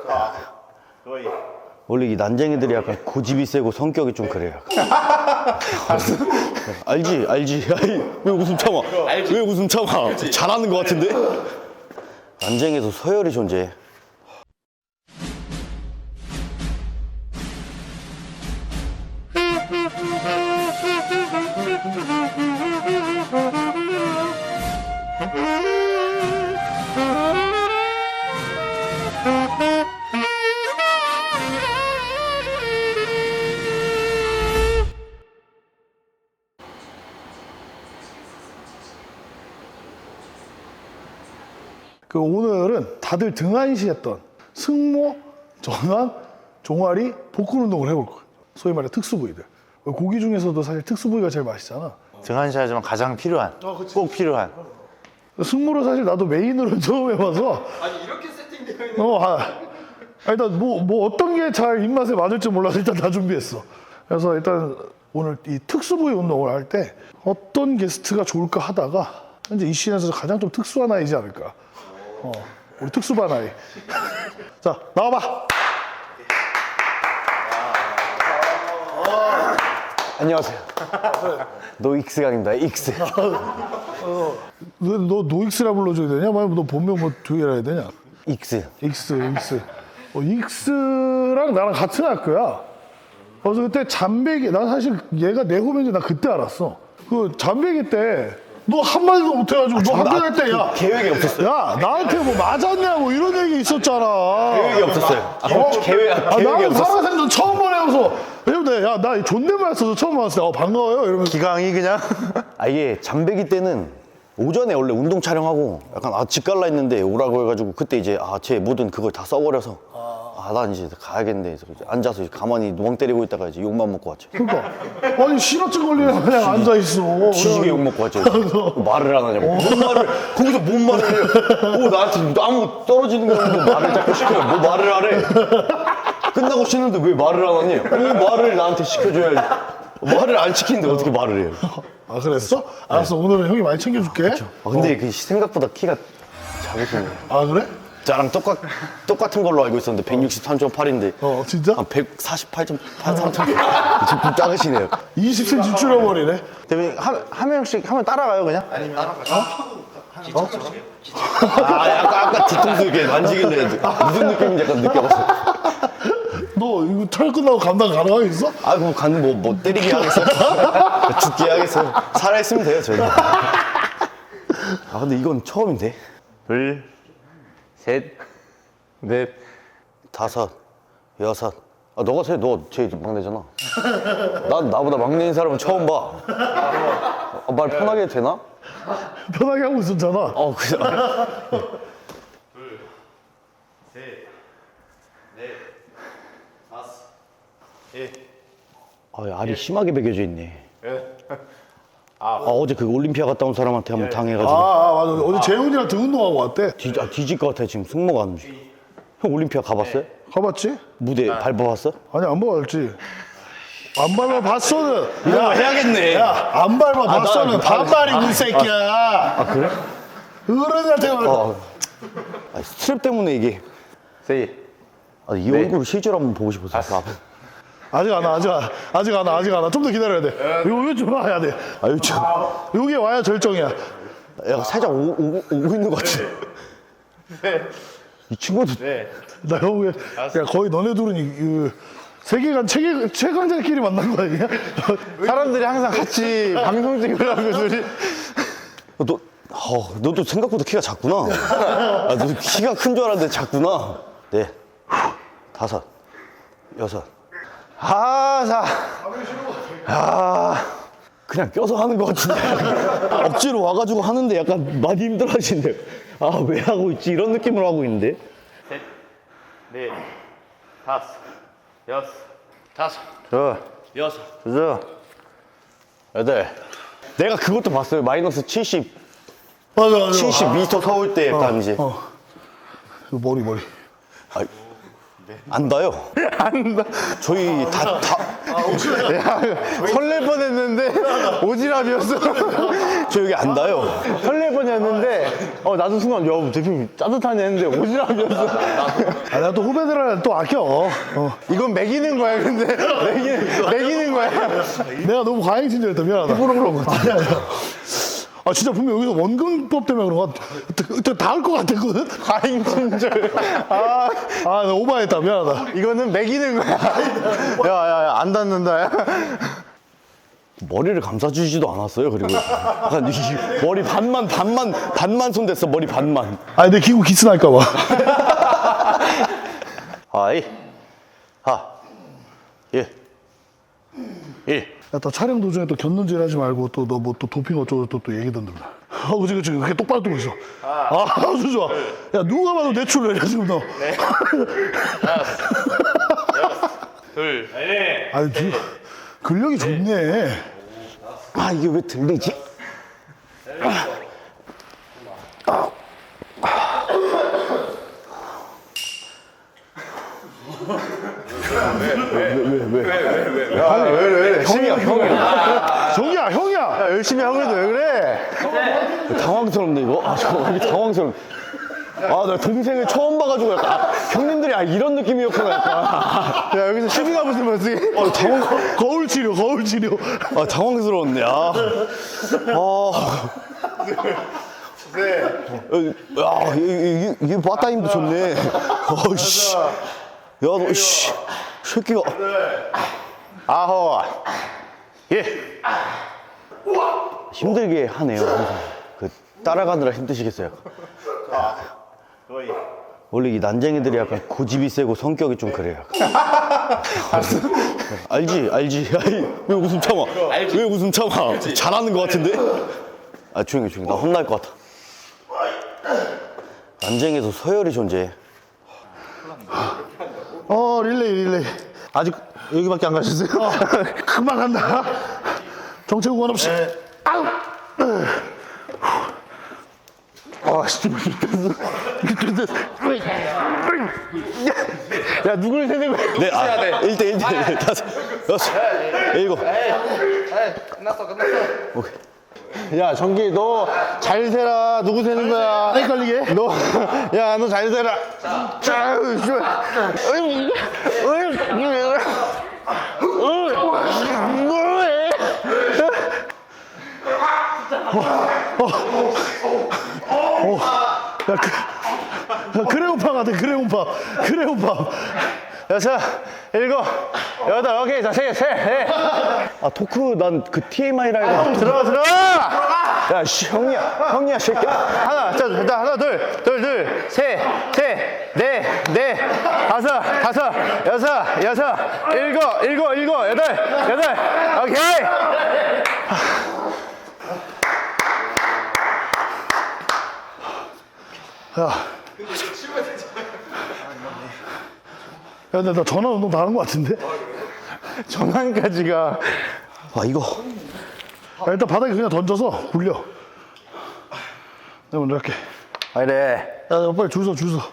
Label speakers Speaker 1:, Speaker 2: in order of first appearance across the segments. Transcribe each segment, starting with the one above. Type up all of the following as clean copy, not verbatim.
Speaker 1: 거의.
Speaker 2: 원래 이 난쟁이들이 약간 고집이 세고 성격이 좀 그래요. 알지? 아니, 왜 웃음 참아? 왜 웃음 참아? 잘하는 것 같은데? 난쟁이에도 서열이 존재해.
Speaker 3: 그 오늘은 다들 등한시했던 승모, 전완, 종아리, 복근 운동을 해볼 거예요. 소위 말해 특수 부위들. 고기 중에서도 사실 특수 부위가 제일 맛있잖아.
Speaker 1: 등한시하지만 가장 필요한, 꼭 필요한.
Speaker 3: 승모를 사실 나도 메인으로 처음 해봐서.
Speaker 4: 아니 이렇게 세팅되어 있는
Speaker 3: 일단 뭐 어떤 게 잘 입맛에 맞을지 몰라서 일단 다 준비했어. 그래서 일단 오늘 이 특수 부위 운동을 할 때 어떤 게스트가 좋을까 하다가 현재 이 시즌에서 가장 좀 특수한 아이지 않을까. 우리 특수반 아이. 자, 나와봐.
Speaker 2: 안녕하세요. 노익스강입니다. 익스.
Speaker 3: 너 노익스라 불러줘야 되냐? 만약 너 본명 뭐 두개라 해야 되냐?
Speaker 2: 익스.
Speaker 3: 익스. 익스랑 나랑 같은 학교야. 그래서 그때 잠배기, 나 사실 얘가 내 후배인지 나 그때 알았어. 그 잠배기 때 너 한마디도 못해가지고 너 학교 갈 때 야
Speaker 2: 계획이 없었어요.
Speaker 3: 야 나한테 뭐 맞았냐고 이런 얘기 있었잖아.
Speaker 2: 계획이 없었어요. 계획이
Speaker 3: 나는
Speaker 2: 없었어.
Speaker 3: 살아생전 처음 보내면서 왜냐면 야나 존댓말 써서 처음 봤을 때 반가워요 이러면서
Speaker 1: 기강이 그냥.
Speaker 2: 이게 잠배기 때는 오전에 원래 운동 촬영하고 약간 집 갈라 했는데 오라고 해가지고 그때 이제 제 모든 그걸 다 써버려서 난 이제 가야겠네. 그래서 이제 앉아서 이제 가만히 누멍 때리고 있다가 이제 욕만 먹고 왔죠.
Speaker 3: 그러니까 아니 신호증 걸리면 그냥 앉아있어.
Speaker 2: 지지게 욕 먹고 왔죠. 말을 안 하냐고. 뭔 말을 거기서 뭔 말을 해요. 나한테 아무 떨어지는 거 없는데 말을 자꾸 시켜요. 뭐 말을 하래. 끝나고 쉬는데 왜 말을 안 하니? 말을 나한테 시켜줘야지. 말을 안 시키는데 어떻게 말을 해요?
Speaker 3: 아 그랬어? 알았어 오늘은 형이 많이 챙겨줄게.
Speaker 2: 근데 그 생각보다 키가 작으시네.
Speaker 3: 아 그래?
Speaker 2: 저랑 똑같은 걸로 알고 있었는데 163.8인데
Speaker 3: 진짜?
Speaker 2: 한 148.3점 좀 작으시네요.
Speaker 3: 20cm 줄여버리네.
Speaker 1: 대표님 한 명씩 하면 따라가요 그냥?
Speaker 2: 아까 뒤통수 이렇게 만지길래 무슨 느낌인지 약간 느껴봤어.
Speaker 3: 너 이거 촬영 끝나고 감당 가능하겠어?
Speaker 2: 그럼 가는 뭐 때리게 하겠어? 죽게 하겠어? 살아있으면 돼요 저희. 근데 이건 처음인데.
Speaker 1: 둘, 셋, 넷,
Speaker 2: 다섯, 여섯. 너가 너 제일 막내잖아. 나보다 막내인 사람은 처음 봐. 말 편하게 해도 되나?
Speaker 3: 편하게 하고 있었잖아.
Speaker 2: 그냥.
Speaker 1: 셋, 넷, 다섯, 일.
Speaker 2: 알이 심하게 베겨져 있네. 어제 그 올림피아 갔다 온 사람한테 한번 당해가지고.
Speaker 3: 맞아. 어제 재훈이랑 등 운동하고 왔대.
Speaker 2: 뒤질 것 같아 지금 승모가 안 움직여. 형 올림피아 가봤어요?
Speaker 3: 가봤지?
Speaker 2: 무대 밟아봤어?
Speaker 3: 아니 안 봐봤지. 안 밟아봤어는.
Speaker 2: 이거 해야겠네.
Speaker 3: 안 밟아봤어는 반말이고 이 새끼야.
Speaker 2: 그래?
Speaker 3: 어른한테 말.
Speaker 2: 스트랩 때문에 이게.
Speaker 1: 셋.
Speaker 2: 이 얼굴 실제로 한번 보고 싶었어.
Speaker 3: 아직 안 와. 좀 더 기다려야 돼. 요좀 와야 돼.
Speaker 2: 요즘.
Speaker 3: 여기 와야 절정이야.
Speaker 2: 살짝 오고 있는 것 같아. 이 친구도.
Speaker 3: 나 형, 야, 거의 너네 둘은 그 세계관 최강자끼리 만난 거 아니야?
Speaker 1: 사람들이 항상 같이 방송 찍으라고 소리.
Speaker 2: 너도 생각보다 키가 작구나. 너 키가 큰 줄 알았는데 작구나. 네. 다섯, 여섯. 그냥 껴서 하는 것 같은데. 억지로 와가지고 하는데 약간 많이 힘들어 하시는데. 왜 하고 있지? 이런 느낌으로 하고 있는데.
Speaker 1: 셋, 넷, 다섯, 여섯, 여섯,
Speaker 2: 여덟. 내가 그것도 봤어요. 마이너스 70.
Speaker 3: 맞아.
Speaker 2: 70m 서울 때 약간 이제.
Speaker 3: 머리.
Speaker 2: 안다요. 안다. 저희 다.
Speaker 1: 설렐 뻔했는데 오지랖이었어.
Speaker 2: 저 여기 안다요.
Speaker 1: 설렐 천천히 했는데 나도 순간 야 대표님 따뜻하네 했는데 오지랖이었어.
Speaker 3: 아, 내가 또 후배들은 또 아껴.
Speaker 1: 이건 매기는 거야 근데 매기는 거야.
Speaker 3: 내가 너무 과잉 친절했다. 미안하다. 일부러 그런 거 같아. 아니야. 아, 진짜 분명 여기서 원근법 때문에 그런 거 같아. 다 할 것 같았거든?
Speaker 1: 과잉 친절. 아
Speaker 3: 나 오버했다. 미안하다.
Speaker 1: 이거는 매기는 거야. 야야야 안 닿는다. 야.
Speaker 2: 머리를 감싸주지도 않았어요. 그리고 약간 이 머리 반만 손댔어. 머리 반만.
Speaker 3: 아니, 내 기구 기스 날까봐.
Speaker 2: 하이 하 예.
Speaker 3: 야, 또 촬영 도중에 또 곁눈질 하지 말고 또 너 뭐 또 도핑 어쩌고 또 얘기 던들라. 그치. 그렇게 똑바로 뜨고 있어. 아주 좋아. 야, 누가 봐도 내추럴이야, 지금 너.
Speaker 4: 둘.
Speaker 3: 아니, 근력이 좋네.
Speaker 2: 아 이게 왜 들리지?
Speaker 1: 왜?
Speaker 3: 형이야.
Speaker 1: 야, 열심히 하고 있는데 왜 그래?
Speaker 2: 당황스럽네 이거. 왜 이렇게 당황스러워. 나 동생을 처음 봐가지고 약간 형님들이 이런 느낌이었구나 약간.
Speaker 1: 야 여기서 시비가 붙으면 어떡해?
Speaker 3: 거울 치료.
Speaker 2: 당황스러웠네. 이게 바타 힘도 좋네. 씨. 야, 너, 씨. 새끼가.
Speaker 1: 아호.
Speaker 2: 예. 힘들게 하네요. 항상. 그, 따라가느라 힘드시겠어요. 원래 이 난쟁이들이 약간 고집이 세고 성격이 좀 그래요. 알지. 왜 웃음 참아? 왜 웃음 참아? 잘하는 것 같은데? 조용히. 나 혼날 것 같아. 난쟁이에서 서열이 존재해.
Speaker 3: 릴레이.
Speaker 1: 아직 여기밖에 안 가셨어요?
Speaker 3: 금방 간다. 정체 구간 없이. 아우.
Speaker 1: 씨. 야 누굴 세는 거야?
Speaker 2: 네, 1대1, 5, 6, 7.
Speaker 4: 끝났어.
Speaker 2: 오케이.
Speaker 1: 야 정기 너 잘 세라. 누구 세는 거야?
Speaker 3: 헷갈리게.
Speaker 1: 너 잘 세라.
Speaker 3: 그레오파 같아. 그레오파.
Speaker 1: 여섯, 일곱, 여덟, 오케이, 자, 셋.
Speaker 2: 토크, 난 그 TMI라 해가지고.
Speaker 1: 들어가!
Speaker 2: 야, 형이야, 새끼야.
Speaker 1: 하나, 하나, 둘, 셋, 넷, 다섯, 여섯, 일곱, 여덟, 오케이!
Speaker 3: 야, 근데 나 전화 운동 다 한 것 같은데?
Speaker 1: 전환까지가.
Speaker 2: 이거.
Speaker 3: 야, 일단 바닥에 그냥 던져서 굴려. 내가 먼저 할게.
Speaker 1: 그래.
Speaker 3: 야, 빨리 줄 서.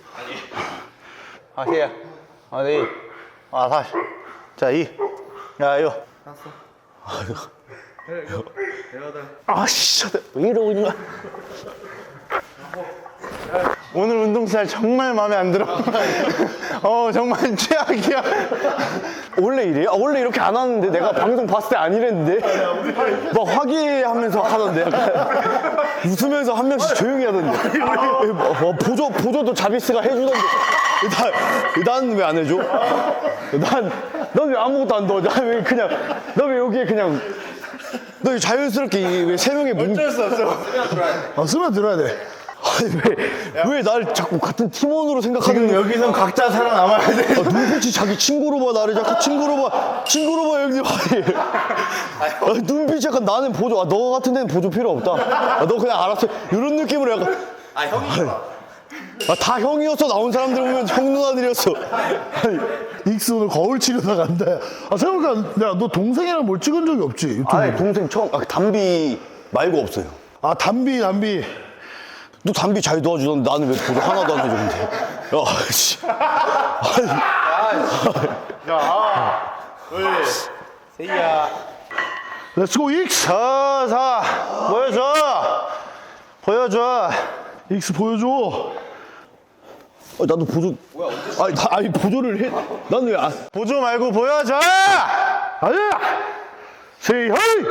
Speaker 1: 하세요. 어디? 다시. 자, 2. 야, 이거.
Speaker 2: 진짜. 왜 이러고 있는 거야?
Speaker 1: 오늘 운동 스타일 정말 마음에 안 들어. 정말 최악이야.
Speaker 2: 원래 이래요? 원래 이렇게 안 하는데 내가 방송 봤을 때 안 이랬는데 막 화기애애하면서 하던데 약간 웃으면서 한 명씩 조용히 하던데 보조도 자비스가 해주던데 난 왜 안 해줘? 넌 왜 아무것도 안 넣어? 너 왜 여기에 그냥 너 자연스럽게 왜 세 명의
Speaker 1: 어쩔 수 없어.
Speaker 3: 쓰면 들어야 돼.
Speaker 2: 왜 날 자꾸 같은 팀원으로 생각하는
Speaker 1: 지금 여기선 각자 살아남아야 돼.
Speaker 2: 눈빛이 자기 친구로 봐. 나를 자꾸 친구로 봐 형님. 눈빛이 약간 나는 보조. 너 같은 데는 보조 필요 없다. 너 그냥 알았어. 이런 느낌으로 약간
Speaker 4: 형이.
Speaker 2: 다 형이었어. 나온 사람들 보면 형 누나들이었어.
Speaker 3: 익스 오늘 거울 치료사 간다. 생각해보니까 야, 너 동생이랑 뭘 찍은 적이 없지? 유튜브에.
Speaker 2: 동생 처음 담비 말고 없어요.
Speaker 3: 담비.
Speaker 2: 너 담비 잘 도와주던데 나는 왜 보조 하나도 안 해줬는데. 씨.
Speaker 4: 세이야.
Speaker 3: 렛츠고 익스.
Speaker 1: 보여줘. 보여줘.
Speaker 3: 익스 보여줘.
Speaker 2: 나도 보조. 아니 보조를 해. 난 왜 안?
Speaker 1: 보조 말고 보여줘.
Speaker 3: 아니야. 세이 허이.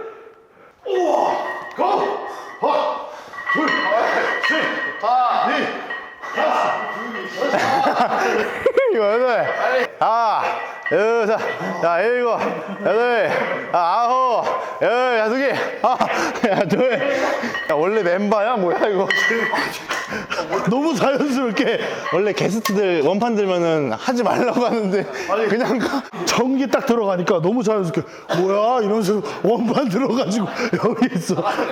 Speaker 1: 여덟, 여섯, 야, 일곱, 여덟, 아홉, 열, 야, 두 개, 야, 둘. 야, 원래 멤버야? 뭐야, 이거?
Speaker 3: 너무 자연스럽게
Speaker 1: 원래 게스트들 원판 들면은 하지 말라고 하는데, 그냥 가.
Speaker 3: 전기 딱 들어가니까 너무 자연스럽게 뭐야 이러면서 원반 들어가지고 여기 있어.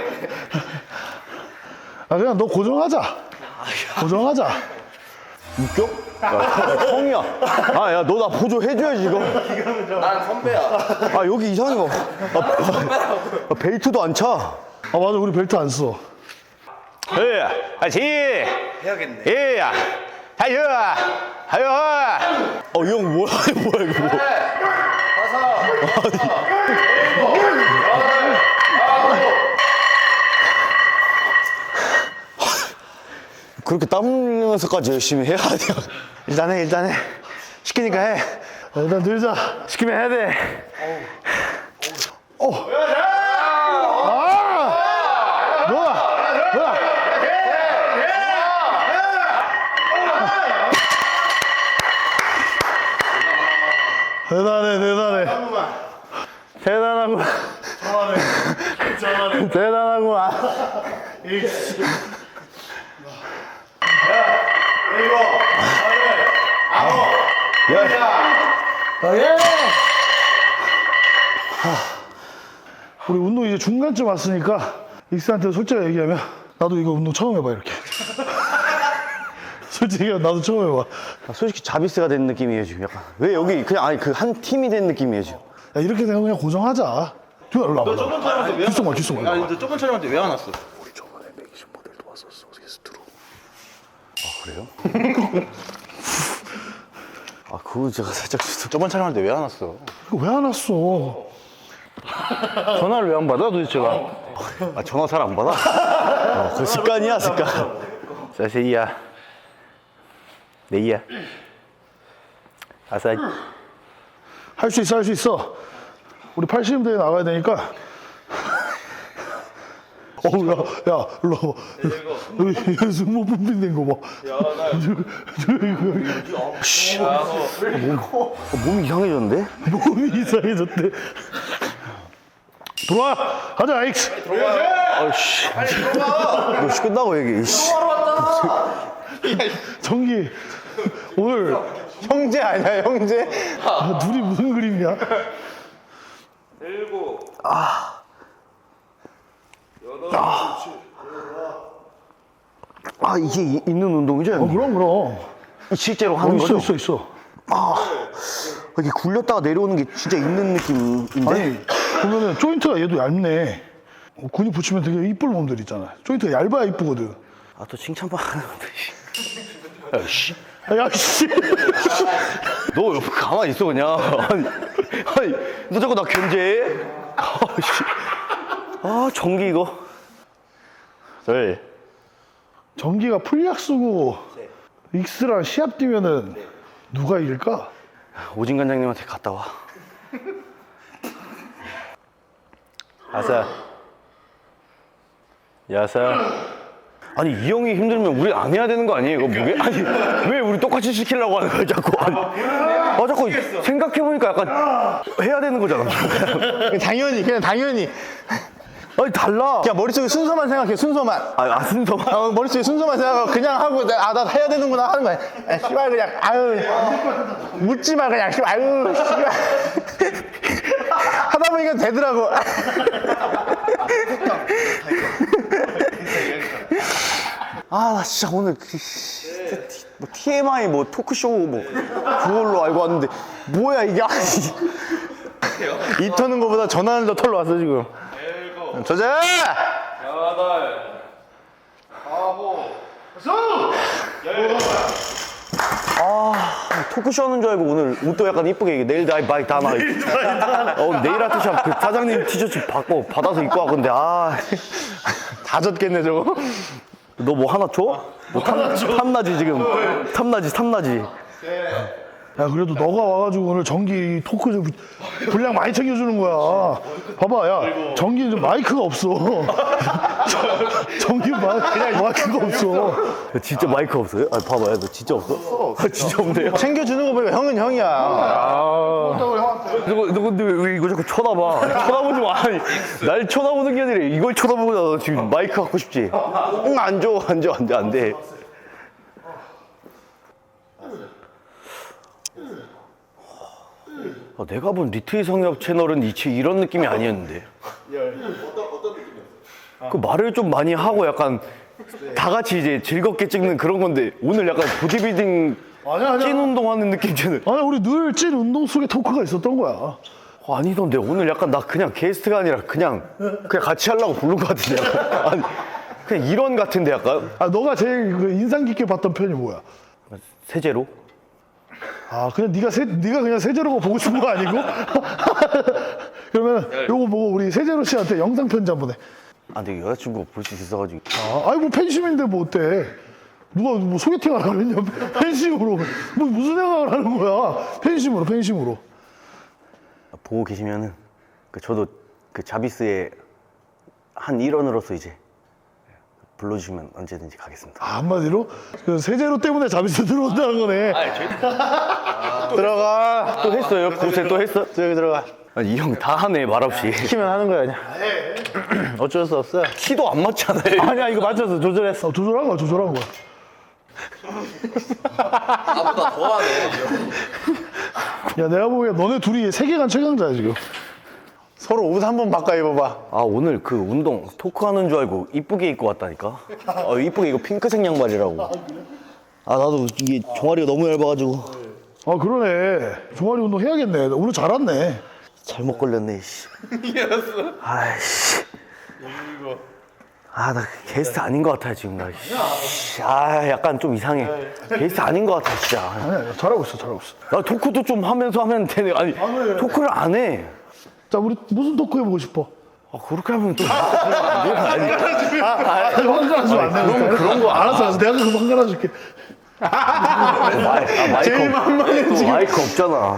Speaker 3: 그냥 너 고정하자. 고정하자.
Speaker 2: 웃겨? 야, 형이야. 야, 너 나 보조 해줘야지 이거.
Speaker 4: 난 선배야.
Speaker 2: 여기 이상한 거. 벨트도 안 차.
Speaker 3: 맞아, 우리 벨트 안 써.
Speaker 1: 다시.
Speaker 4: 해야겠네.
Speaker 1: 예, 하여, 하여.
Speaker 2: 이 형 뭐야 이거 뭐. 그렇게 땀 흘리면서까지 열심히 해야 돼.
Speaker 1: 일단 해. 시키니까 해.
Speaker 3: 일단 들자.
Speaker 1: 시키면 해야 돼.
Speaker 3: 뭐야? 대단해.
Speaker 1: 대단하구만. 대단하구만.
Speaker 3: 우리 운동 이제 중간쯤 왔으니까 익스한테 솔직히 얘기하면 나도 이거 운동 처음 해봐 이렇게. 솔직히 나도 처음 해봐.
Speaker 2: 솔직히 자비스가 된 느낌이에요 지금 약간. 왜 여기 그냥 아니 그 한 팀이 된 느낌이에요 지금.
Speaker 3: 야, 이렇게 되면 그냥 고정하자. 좀 일로 와봐.
Speaker 4: 저번 촬영할 때왜
Speaker 3: 뒷속 봐.
Speaker 4: 아니, 너 저번 촬영할 때 왜 안 왔어?
Speaker 3: 우리 저번에 맥심 모델도 왔었어 게스트로.
Speaker 2: 그래요? 그거 제가 살짝
Speaker 1: 저번 촬영할 때 왜 안 왔어?
Speaker 3: 이거 왜 안 왔어?
Speaker 1: 전화를 왜 안 받아, 도대체가?
Speaker 2: 전화 잘 안 받아? 그 습관이야 습관.
Speaker 1: 사세이야. 네이야. 아싸.
Speaker 3: 할 수 있어. 우리 80대에 나가야 되니까. 야, 일로 와봐. 여기 승모 분빈된 거 봐.
Speaker 2: 몸이 이상해졌는데?
Speaker 3: 몸이 이상해졌대. 들어와! 가자, 익스!
Speaker 2: 너 끝나고 얘기.
Speaker 3: 정기, 오늘
Speaker 1: 형제 아니야, 형제?
Speaker 3: 둘이 무슨 그림이야?
Speaker 4: 일곱.
Speaker 2: 이게 있는 운동이죠? 형님?
Speaker 3: 그럼.
Speaker 2: 실제로 하는 거죠?
Speaker 3: 있어.
Speaker 2: 이렇게 굴렸다가 내려오는 게 진짜 있는 느낌인데?
Speaker 3: 아니, 보면은 조인트가 얘도 얇네. 근육 붙이면 되게 이쁠 몸들 있잖아. 조인트가 얇아야 이쁘거든.
Speaker 2: 또 칭찬만 하는데.
Speaker 3: 야, 씨.
Speaker 2: 너 옆에 가만히 있어 그냥. 아니 너 자꾸 나 견제해? 전기 이거.
Speaker 1: 둘.
Speaker 3: 정기가 풀약 쓰고 익스랑 시합 뛰면은 누가 이길까?
Speaker 2: 오진 관장님한테 갔다 와.
Speaker 1: 아싸. 야싸.
Speaker 2: 아니 이 형이 힘들면 우리 안 해야 되는 거 아니에요? 이거 무게? 아니 왜 우리 똑같이 시키려고 하는 거야 자꾸? 자꾸 생각해보니까 약간 해야 되는 거잖아.
Speaker 1: 그냥 당연히.
Speaker 2: 아니 달라.
Speaker 1: 그냥 머릿속에 순서만 생각해, 순서만.
Speaker 2: 순서만.
Speaker 1: 머릿속에 순서만 생각하고 그냥 하고, 나 해야 되는구나 하는 거야. 씨발, 그냥, 묻지 마, 그냥, 씨발, 씨발. 하다 보니까 되더라고.
Speaker 2: 나 진짜 오늘 뭐 TMI 뭐 토크쇼 뭐 그걸로 알고 왔는데 뭐야 이게.
Speaker 1: 이 터는 거보다 전화는 더 털러 왔어, 지금. 저자!
Speaker 4: 여덟. 아홉.
Speaker 2: 토크쇼 하는 줄 알고 오늘 옷도 약간 이쁘게 내일 다이 바이 다나. 네일 아트샵 그 사장님 티셔츠 받아서 입고 왔건데
Speaker 1: 다 다 젖겠네 저거.
Speaker 2: 너 뭐 하나 줘? 뭐 탐나지 지금. 탐나지.
Speaker 3: 야 그래도 너가 와가지고 오늘 전기 토크 좀 분량 많이 챙겨주는 거야. 봐봐 야 전기 좀 마이크가 없어. 전기 마이크가 없어.
Speaker 2: 야, 진짜 마이크 없어요? 아 봐봐요. 너 진짜 없어? 진짜 없네요.
Speaker 1: 챙겨주는 거 보니까 형은 형이야.
Speaker 2: 너 근데 왜 이거 자꾸 쳐다봐? 쳐다보지 마. 아니, 날 쳐다보는 게 아니라 이걸 쳐다보잖아. 너 지금 마이크 갖고 싶지? 응, 안 돼. 아, 내가 본 리트의 성엽 채널은 이런 느낌이 아니었는데. 어떤 느낌이었어요? 그 말을 좀 많이 하고 약간 다 같이 이제 즐겁게 찍는 그런 건데 오늘 약간 보디빌딩
Speaker 3: 아니야.
Speaker 2: 찐 운동하는 느낌처럼.
Speaker 3: 아니 우리 늘 찐 운동 속에 토크가 있었던 거야.
Speaker 2: 아니던데 오늘 약간 나 그냥 게스트가 아니라 그냥 같이 하려고 부른 것 같은데 약간. 아니, 그냥 이런 같은데 약간
Speaker 3: 아 너가 제일 그 인상 깊게 봤던 편이 뭐야?
Speaker 2: 세제로.
Speaker 3: 아 그냥 네가 그냥 세제로가 보고 싶은 거 아니고? 그러면 요거 보고 우리 세제로 씨한테 영상 편지 한번 해.
Speaker 2: 아 근데 여자친구가 볼 수 있어가지고.
Speaker 3: 아니 뭐 팬심인데 뭐 어때? 누가 뭐 소개팅을 하느냐? 팬심으로 뭐 무슨 생각을 하는 거야? 팬심으로.
Speaker 2: 보고 계시면은 저도 그 자비스의 한 일원으로서 이제 불러주시면 언제든지 가겠습니다.
Speaker 3: 아, 한마디로 그 세제로 때문에 자비스 들어온다는 거네.
Speaker 1: 들어가.
Speaker 2: 또 했어요? 고세 또 했어?
Speaker 1: 저기 들어가.
Speaker 2: 이 형 다 하네 말없이.
Speaker 1: 시키면 하는 거야 그냥. 어쩔 수 없어.
Speaker 2: 키도 안 맞잖아요.
Speaker 1: 아니야 이거 맞춰서 조절했어.
Speaker 3: 조절한 거야.
Speaker 4: 나보다 더하네.
Speaker 3: 야 내가 보기엔 너네 둘이 세계관 최강자야 지금.
Speaker 1: 서로 옷 한 번 바꿔 입어봐.
Speaker 2: 아 오늘 그 운동 토크하는 줄 알고 이쁘게 입고 왔다니까. 이쁘게 이거 핑크색 양말이라고. 아 나도 이게 종아리가 너무 얇아가지고
Speaker 3: 아 그러네. 종아리 운동 해야겠네. 오늘 잘 왔네.
Speaker 2: 잘못 걸렸네. 씨. 아이씨. 아 나 게스트 아닌 것 같아 지금 나. 씨. 아 약간 좀 이상해. 게스트 아닌 것 같아 진짜.
Speaker 3: 아니야 잘하고 있어.
Speaker 2: 나 토크도 좀 하면서 하면 되네. 아니 토크를 안 해.
Speaker 3: 자 우리 무슨 토크 해보고 싶어?
Speaker 2: 아 그렇게 하면 또 아니.
Speaker 3: 황가라주면 안 되니까.
Speaker 2: 그런 거
Speaker 3: 알았어. 내가 그럼 황가라줄게.
Speaker 2: 제일 만만해 지금. 마이크 없잖아.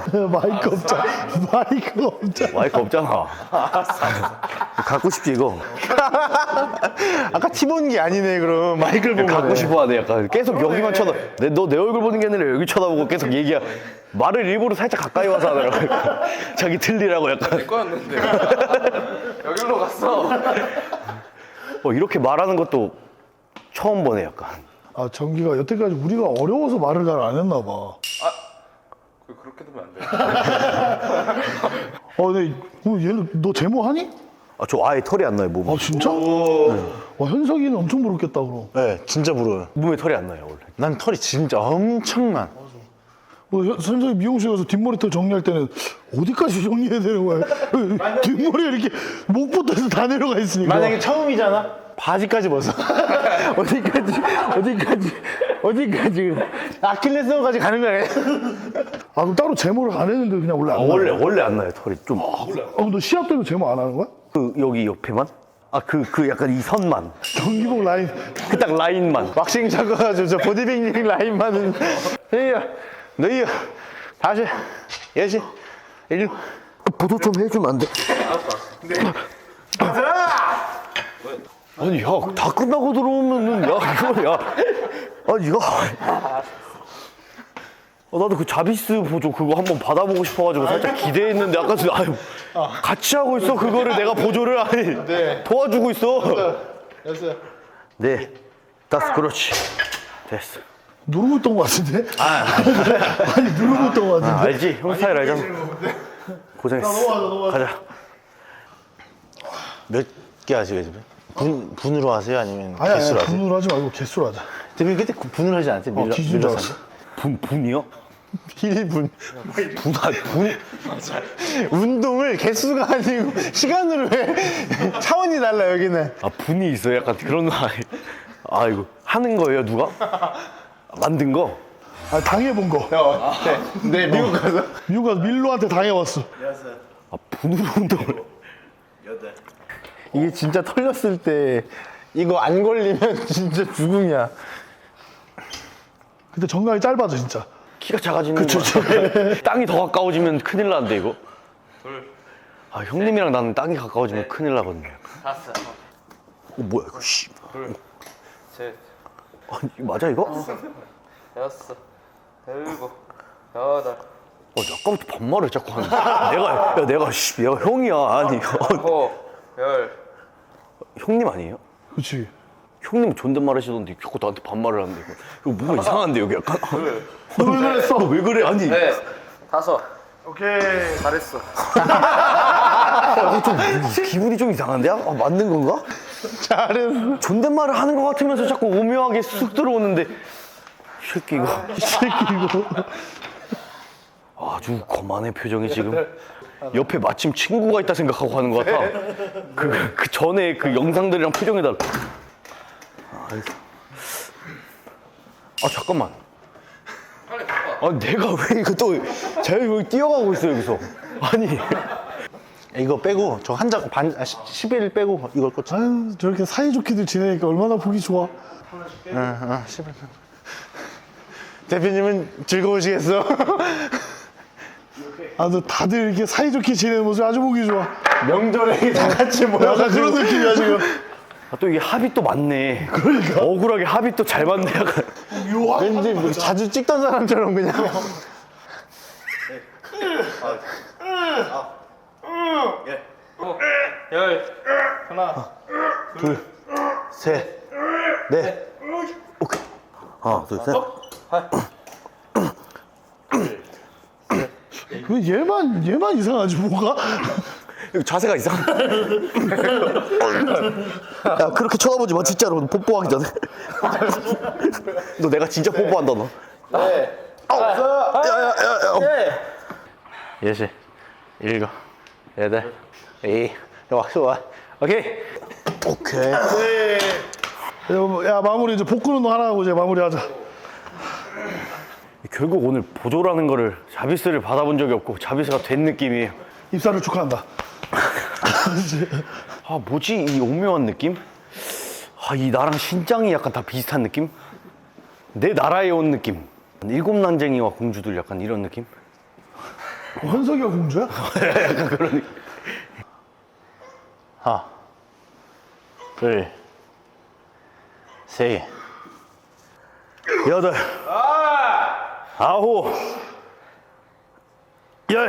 Speaker 3: 마이크가 없잖아.
Speaker 2: 마이크 없잖아. 갖고 싶지 이거.
Speaker 1: 아까 티 보는 게 아니네 그럼 마이크를 보면.
Speaker 2: 갖고 싶어하네 약간. 계속 여기만 쳐다. 너 내 얼굴 보는 게 아니라 여기 쳐다보고 계속 얘기야. 말을 일부러 살짝 가까이 와서 하더라고. 자기 들리라고 약간.
Speaker 4: 거였는데. 여기로 갔어.
Speaker 2: 이렇게 말하는 것도 처음 보네 약간.
Speaker 3: 아 정기가 여태까지 우리가 어려워서 말을 잘 안 했나 봐.
Speaker 4: 그렇게 되면 안 돼.
Speaker 3: 근데 얘는 너 제모 하니?
Speaker 2: 저 아예 털이 안 나요 몸에.
Speaker 3: 아 진짜? 와 현석이는 엄청 부럽겠다 그럼.
Speaker 1: 네 진짜 부러워요.
Speaker 2: 몸에 털이 안 나요 원래.
Speaker 1: 난 털이 진짜 엄청난.
Speaker 3: 현석이 미용실 가서 뒷머리털 정리할 때는 어디까지 정리해야 되는 거야? 뒷머리가 이렇게 목부터 해서 다 내려가 있으니까.
Speaker 1: 만약에 처음이잖아. 바지까지 벗어. 어디까지. 아킬레스건까지 가는 거야.
Speaker 3: 아 그럼 따로 제모를 안 했는데 그냥 원래 안 나요?
Speaker 2: 원래 안 나요 털이 좀.
Speaker 3: 그럼 너 시합 때도 제모 안 하는 거야?
Speaker 2: 그 여기 옆에만? 그 약간 이 선만.
Speaker 3: 경기복 라인.
Speaker 2: 그 딱 라인만.
Speaker 1: 왁싱 잡아가지고 저 보디빌딩 라인만은. 너희 다시 예시 일로.
Speaker 2: 보도 좀 해주면 안 돼? 아니 야 다 끝나고 들어오면은 야 이거 야 아니 야 나도 그 자비스 보조 그거 한번 받아보고 싶어가지고 살짝 기대했는데 아까 전에 아유 같이 하고 있어 그거를 내가 보조를 아니 도와주고 있어.
Speaker 1: 됐어요.
Speaker 2: 네 됐어 그렇지 됐어.
Speaker 3: 누르고 있던 거 같은데? 아니 누르고 있던 거 같은데?
Speaker 2: 알지 형 스타일 알잖아. 고생했어. 가자.
Speaker 1: 몇 개 하시게 집에? 분으로 하세요 아니면
Speaker 3: 아니
Speaker 1: 개수로 하세요?
Speaker 3: 분으로 하지 말고 개수로 하자.
Speaker 1: 대표님 그때 분으로 하지 않았어요?
Speaker 3: 기준 줄 알았어.
Speaker 2: 분이요?
Speaker 1: 1분.
Speaker 2: 분?
Speaker 1: 운동을 개수가 아니고 시간으로 해. 차원이 달라 여기는.
Speaker 2: 아 분이 있어요? 약간 그런 거 아이고 하는 거예요 누가? 만든 거?
Speaker 3: 아 당해본 거.
Speaker 1: 네 미국 가서.
Speaker 3: 미국 가서 밀로한테 당해왔어.
Speaker 2: 아 분으로 운동을
Speaker 1: 이게 진짜 털렸을 때 이거 안 걸리면 진짜 죽음이야.
Speaker 3: 근데 정강이 짧아져 진짜.
Speaker 2: 키가 작아지는 거 땅이 더 가까워지면 큰일 나는데 이거. 아 형님이랑 나는 땅이 가까워지면 큰일 나거든요.
Speaker 4: 다섯,
Speaker 2: 뭐야 이거 씨.
Speaker 4: 셋,
Speaker 2: 아니 이거 맞아 이거?
Speaker 4: 여섯, 일곱, 여덟,
Speaker 2: 아까부터 반말을 자꾸 하는. 내가 형이야 아니.
Speaker 4: 아홉, 열.
Speaker 2: 형님 아니에요?
Speaker 3: 그렇지.
Speaker 2: 형님 존댓말 하시던데 자꾸 나한테 반말을 하는데 이거 뭔가 이상한데 여기 약간.
Speaker 3: 너 왜 그랬어?
Speaker 2: 왜 그래 아니.
Speaker 4: 네, 다섯.
Speaker 3: 오케이.
Speaker 4: 잘했어.
Speaker 2: 기분이 좀 이상한데? 아, 맞는 건가?
Speaker 1: 잘했어.
Speaker 2: 존댓말을 하는 것 같으면서 자꾸 오묘하게 쑥 들어오는데 이 새끼 이거
Speaker 3: 이 새끼 이거.
Speaker 2: 아주 거만해 표정이 지금. 옆에 마침 친구가 있다 생각하고 하는 것 같아. 그 전에 그 영상들이랑 표정이 달라. 아 잠깐만. 아 내가 왜 이거 또 제가 여기 뛰어가고 있어 여기서. 아니
Speaker 1: 이거 빼고 저 한 장 반 11 빼고 이걸 꽂자.
Speaker 3: 아유 저렇게 사이좋게들 지내니까 얼마나 보기 좋아.
Speaker 1: 11. 대표님은 즐거우시겠어?
Speaker 3: 아주 다들 이렇게 사이좋게 지내는 모습 아주 보기 좋아.
Speaker 1: 명절에 다 같이
Speaker 3: 약간
Speaker 1: 모여가지고.
Speaker 3: 그런 느낌이야 지금.
Speaker 2: 아, 또 이게 합이 또 맞네. 그러니까 억울하게 합이 또 잘 맞네. 약간.
Speaker 1: 왠지 뭐 자주 찍던 사람처럼 그냥.
Speaker 4: 열. 하나.
Speaker 1: 둘, 셋, 넷. 오케이.
Speaker 2: 하나 둘 셋.
Speaker 3: 왜 얘만 이상하지 뭐가?
Speaker 2: 이거 자세가 이상해. 야 그렇게 쳐다보지 마 진짜로. 너 뽀뽀하기 전에. 너 내가 진짜 뽀뽀한다 너.
Speaker 4: 네.
Speaker 1: 여섯, 일곱, 여덟, 좋아. 오케이.
Speaker 2: 오케이.
Speaker 3: 야 마무리 이제 복근 운동 하나 하고 이제 마무리하자.
Speaker 2: 결국 오늘 보조라는 거를 자비스를 받아본 적이 없고 자비스가 된 느낌이에요.
Speaker 3: 입사를 축하한다.
Speaker 2: 아 뭐지 이 오묘한 느낌? 아 이 나랑 신장이 약간 다 비슷한 느낌? 내 나라에 온 느낌. 일곱 난쟁이와 공주들 약간 이런 느낌?
Speaker 3: 현석이가 공주야?
Speaker 2: 약간 그런 느낌.
Speaker 1: 하나, 둘, 셋,
Speaker 2: 여덟, 아홉, 열.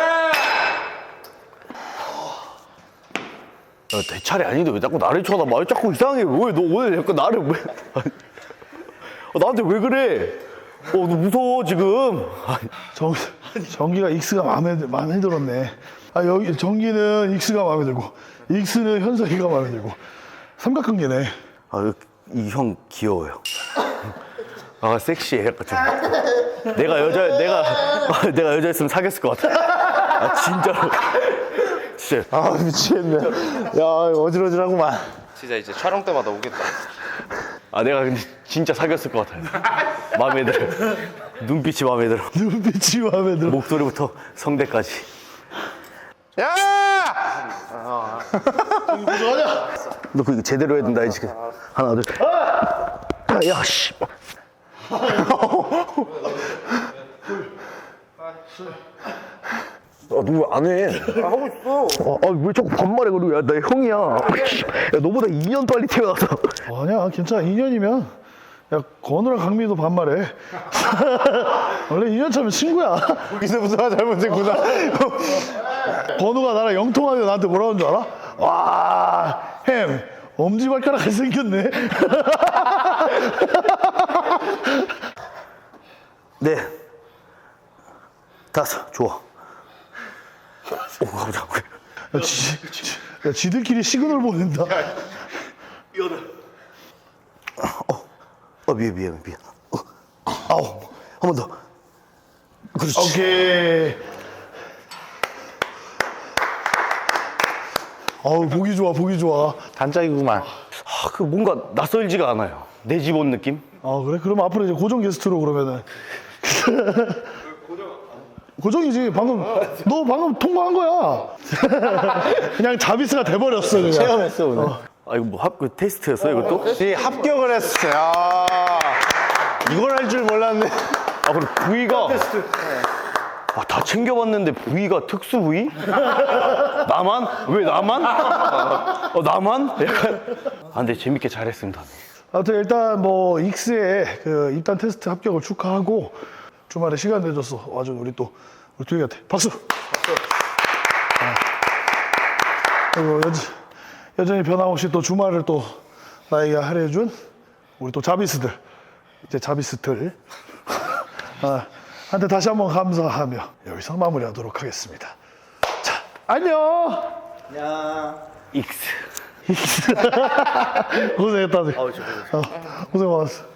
Speaker 2: 야, 내 차례 아닌데 왜 자꾸 나를 쳐다봐? 왜 자꾸 이상해? 왜 너 오늘 약간 나를 왜? 나한테 왜 그래? 너 무서워 지금.
Speaker 3: 정기가 익스가 마음에 들었네. 아 여기 정기는 익스가 마음에 들고 익스는 현석이가 마음에 들고 삼각관계네.
Speaker 2: 이 형 귀여워요. 아 섹시해 약간 좀. 내가 여자였으면 사귀었을 것 같아. 아 진짜로. 진짜.
Speaker 1: 아 미치겠네. 야 어지러지라구만.
Speaker 4: 진짜 이제 촬영 때마다 오겠다.
Speaker 2: 아 내가 근데 진짜 사귀었을 것 같아요. 마음에 들어. 눈빛이 마음에 들어.
Speaker 3: 눈빛이 마음에 들어.
Speaker 2: 목소리부터 성대까지.
Speaker 1: 야!
Speaker 2: 너 그거 제대로 해야 된다 이제. 하나 둘. 야 씨. 너 안 해?
Speaker 4: 하고 있어.
Speaker 2: 왜 자꾸 반말해 그러고. 야 나 형이야. 야 너보다 2년 빨리 태어나서.
Speaker 3: 아니야 괜찮아 2년이면 야 건우랑 강민도 반말해. 원래 2년 차면 친구야.
Speaker 1: 여기서부터가 잘못했구나.
Speaker 3: 건우가 나랑 영통하게 나한테 뭐라고 하는 줄 알아? 와, 햄, 엄지발가락이 생겼네.
Speaker 2: 네. 다섯. 좋아. 오 깜짝이야.
Speaker 3: 야, 지들끼리 시그널 보낸다.
Speaker 2: 미안. 아홉. 한 번 더. 그렇지.
Speaker 3: 오케이. 아우, 보기 좋아.
Speaker 1: 단짝이구만.
Speaker 2: 그 뭔가 낯설지가 않아요. 내 집 온 느낌?
Speaker 3: 아, 그래? 그럼 앞으로 이제 고정 게스트로 그러면은. 고정이지. 너 방금 통과한 거야. 그냥 자비스가 돼버렸어, 그냥.
Speaker 1: 체험했어 오늘.
Speaker 2: 아 이거 뭐 그 테스트였어요 이것도?
Speaker 1: 네, 합격을 했어요. 이걸 할 줄 몰랐네.
Speaker 2: 아 그럼 부위가 다 챙겨봤는데 부위가 특수 부위? 나만? 왜 나만? 나만? 약간 근데 재밌게 잘했습니다.
Speaker 3: 아무튼 일단 뭐 익스의 그 입단 테스트 합격을 축하하고 주말에 시간 내줘서 와준 우리 두희한테 박수. 그리고 여전히 변함없이 또 주말을 또 나에게 할애해준 우리 또 자비스들, 이제 자비스들 한테 다시 한번 감사하며 여기서 마무리하도록 하겠습니다. 자, 안녕.
Speaker 2: 익스.
Speaker 3: 고생했다. 고생 많았어.